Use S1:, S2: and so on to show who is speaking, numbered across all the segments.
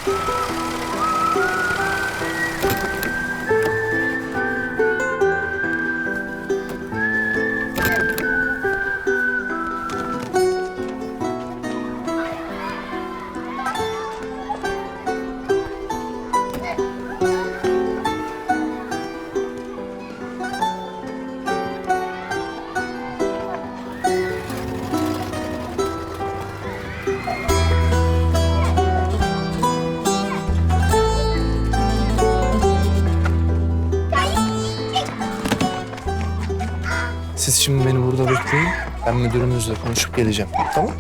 S1: Siz şimdi beni burada bekleyin. Ben müdürümüzle konuşup geleceğim. Tamam?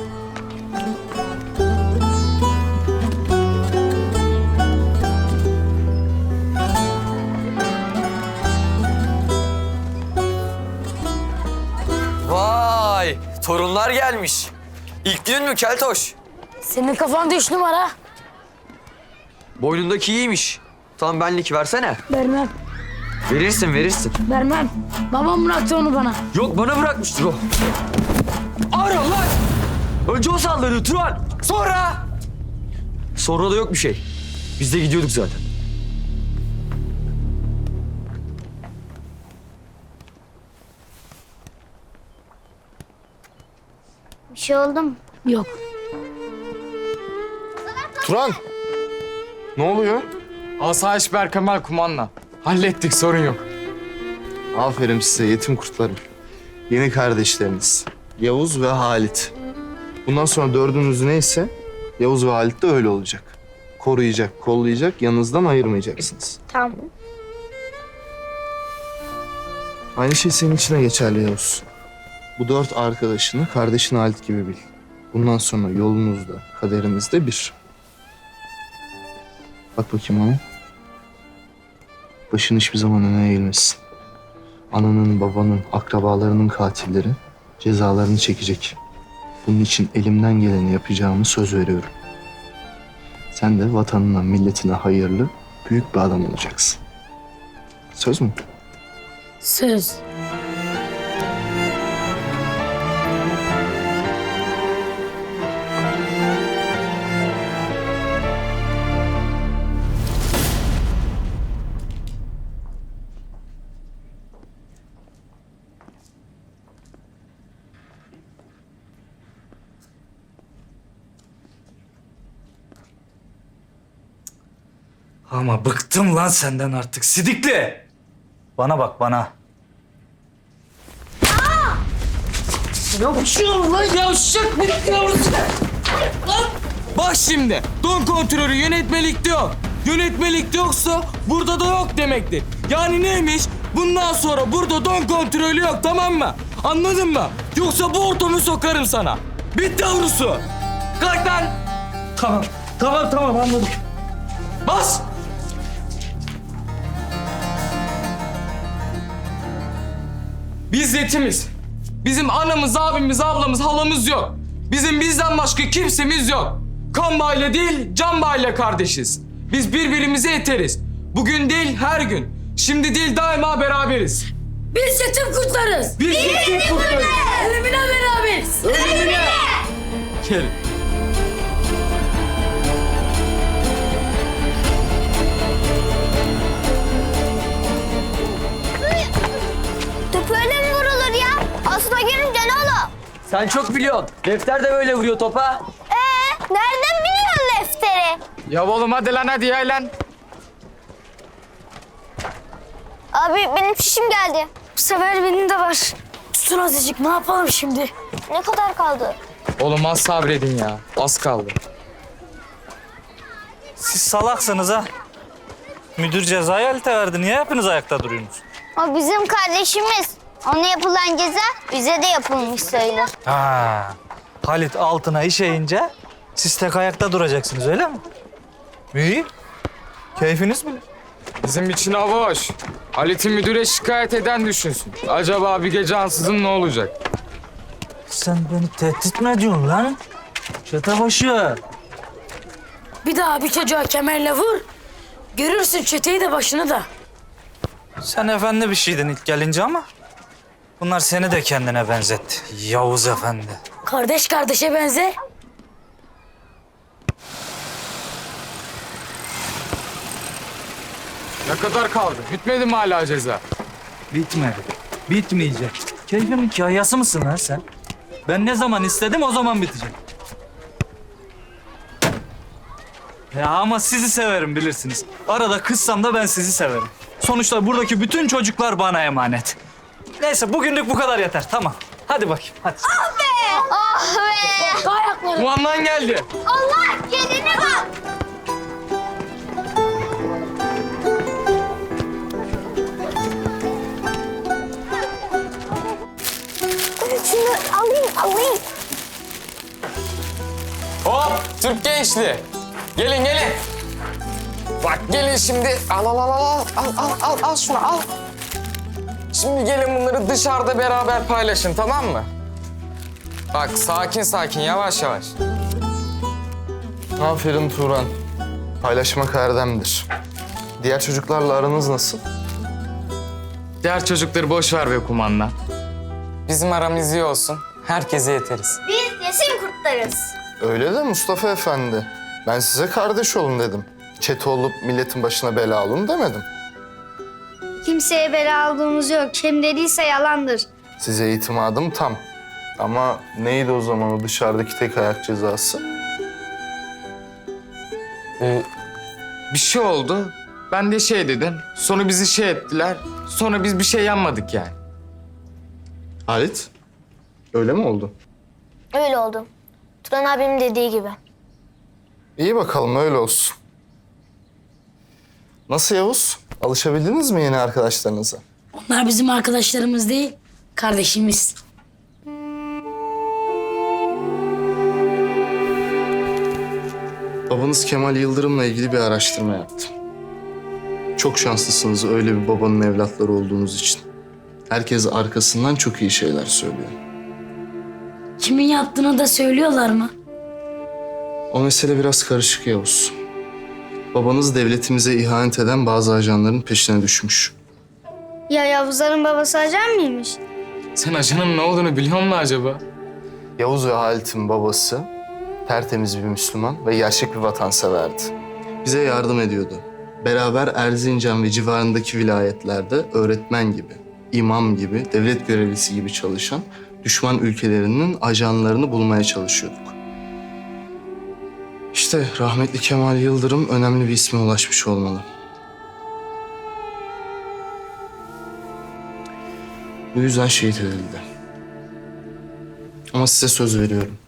S2: Vay! Torunlar gelmiş. İlk gün mü Keltoş?
S3: Senin kafanda 3 numara.
S2: Boynundaki iyiymiş. Tam benlik versene.
S3: Vermem,
S2: Verirsin, verirsin.
S3: vermem. Babam bıraktı onu bana.
S2: Yok bana bırakmıştır o. Ara lan! Önce o saldırıyor Turan. Sonra? Sonra da yok bir şey. Biz de gidiyorduk zaten.
S4: Bir şey oldu mu?
S3: Yok.
S1: Turan! Ne oluyor?
S5: Asayiş Berkemal kumandan. Hallettik, sorun yok.
S1: Aferin size yetim kurtlarım. Yeni kardeşleriniz. Yavuz ve Halit. Bundan sonra dördünüz neyse Yavuz ve Halit de öyle olacak. Koruyacak, kollayacak, yanınızdan ayırmayacaksınız.
S4: Tamam.
S1: Aynı şey senin için de geçerli Yavuz. Bu 4 arkadaşını kardeşin Halit gibi bil. Bundan sonra yolunuzda, kaderinizde bir. Bak bakayım bana. Başın hiçbir zaman öne eğilmesin. Ananın, babanın, akrabalarının katilleri cezalarını çekecek. Bunun için elimden geleni yapacağımı söz veriyorum. Sen de vatanına, milletine hayırlı, büyük bir adam olacaksın. Söz mü?
S3: Söz.
S6: Ama bıktım lan senden artık sidikli. Bana bak bana.
S5: Bak şimdi, don kontrolü yönetmelikte yok. Yönetmelikte yoksa burada da yok demektir. Yani neymiş? Bundan sonra burada don kontrolü yok, tamam mı? Anladın mı? Yoksa bu ortamı sokarım sana. Bitti yavrusu. Kalk lan.
S6: Tamam anladım.
S5: Bas. Biz yetimiz. Bizim anamız, abimiz, ablamız, halamız yok. Bizim bizden başka kimsemiz yok. Kan bağıyla değil, can bağıyla kardeşiz. Biz birbirimize yeteriz. Bugün değil, her gün. Şimdi değil, daima beraberiz.
S3: Biz yetim kurtlarız.
S5: Biz yetim kurtlarız.
S3: Ölümüne beraberiz.
S5: Ölümüne. Gelin.
S4: Top öyle mi vurulur ya? Aslına gelince ne olur?
S2: Sen çok biliyorsun. Defter de böyle vuruyor topa.
S4: Nereden biliyorsun lefteri?
S5: Ya oğlum hadi lan hadi ya lan.
S4: Abi benim şişim geldi.
S3: Bu sefer benim de var. Tutun azıcık, ne yapalım şimdi?
S4: Ne kadar kaldı?
S5: Oğlum az sabredin ya. Az kaldı.
S6: Siz salaksınız ha. Müdür cezayı Halit'e verdi. Niye hepiniz ayakta duruyorsunuz?
S4: O bizim kardeşimiz. Ona yapılan ceza bize de yapılmış sayılır.
S6: Ha. Halit altına işeyince siz tek ayakta duracaksınız öyle mi? İyi. Keyfiniz bilir.
S5: Bizim için hava hoş. Halit'i müdüre şikayet eden düşünsün. Acaba bir gece ansızın ne olacak?
S6: Sen beni tehdit mi ediyorsun lan? Çetebaşı.
S3: Bir daha bir çocuğa kemerle vur. Görürsün çeteyi de başını da.
S6: Sen efendi bir şeydin ilk gelince ama bunlar seni de kendine benzetti. Yavuz efendi.
S3: Kardeş kardeşe benzer.
S5: kadar kaldı. Bitmedi mi hala ceza?
S6: Bitmedi. Bitmeyecek. Keyfimin kayası mısın lan sen? Ben ne zaman istedim o zaman bitecek. Ya ama sizi severim bilirsiniz. Arada kızsam da ben sizi severim. Sonuçta buradaki bütün çocuklar bana emanet. Neyse bugünlük bu kadar yeter. Tamam. Hadi bakayım. Hadi.
S4: Oh be!
S3: Ayakları.
S5: Kumandan geldi.
S4: Allah kendine bak! Şunu alayım.
S5: Hop Türk gençliği. Gelin. Bak gelin şimdi. Al şunu al. Şimdi gelin bunları dışarıda beraber paylaşın, tamam mı? Bak sakin yavaş.
S1: Aferin Turan. Paylaşmak erdemdir. Diğer çocuklarla aranız nasıl?
S5: Diğer çocukları boş ver be kumandan. Bizim aramız iyi olsun. Herkese yeteriz.
S4: Biz yesin kurtlarız.
S1: Öyle de Mustafa Efendi. Ben size kardeş olun dedim. Çete olup milletin başına bela olun demedim.
S4: Kimseye bela aldığımız yok. Kim dediyse yalandır.
S1: Size itimadım tam. Ama neydi o zaman o dışarıdaki tek ayak cezası?
S5: Bir şey oldu. Ben de şey dedim. Sonra bizi şey ettiler. Sonra biz bir şey yanmadık yani.
S1: Halit, öyle mi oldu?
S4: Öyle oldu. Turan abimin dediği gibi.
S1: İyi bakalım öyle olsun. Nasıl Yavuz? Alışabildiniz mi yeni arkadaşlarınıza?
S3: Onlar bizim arkadaşlarımız değil, kardeşimiz.
S1: Babanız Kemal Yıldırım'la ilgili bir araştırma yaptım. Çok şanslısınız öyle bir babanın evlatları olduğunuz için. Herkes arkasından çok iyi şeyler söylüyor.
S3: Kimin yaptığını da söylüyorlar mı?
S1: O mesele biraz karışık Yavuz. Babanız devletimize ihanet eden bazı ajanların peşine düşmüş.
S4: Ya Yavuzların babası ajan mıymış?
S5: Sen ajanın ne olduğunu biliyor musun acaba?
S1: Yavuz ve Halit'in babası tertemiz bir Müslüman ve gerçek bir vatanseverdi. Bize yardım ediyordu. Beraber Erzincan ve civarındaki vilayetlerde öğretmen gibi, imam gibi, devlet görevlisi gibi çalışan düşman ülkelerinin ajanlarını bulmaya çalışıyorduk. İşte rahmetli Kemal Yıldırım önemli bir isme ulaşmış olmalı. Bu yüzden şehit edildi. Ama size söz veriyorum.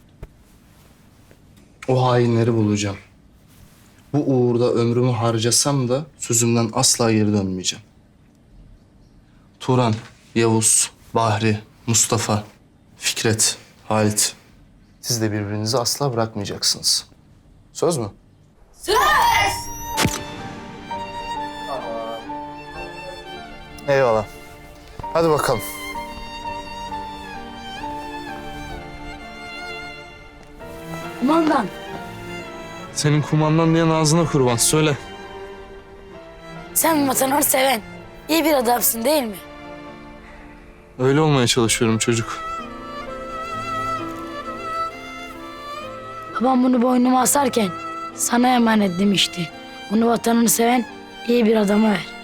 S1: O hainleri bulacağım. Bu uğurda ömrümü harcasam da sözümden asla geri dönmeyeceğim. Turan, Yavuz, Bahri, Mustafa, Fikret, Halit. Siz de birbirinizi asla bırakmayacaksınız. Söz mü? Söz! Eyvallah. Hadi bakalım.
S3: Kumandan,
S1: Senin kumandan diyen ağzına kurban. Söyle.
S3: sen vatanı seven, iyi bir adamsın değil mi?
S1: Öyle olmaya çalışıyorum çocuk.
S3: Babam bunu boynuma asarken sana emanet demişti. Bunu vatanını seven iyi bir adama ver.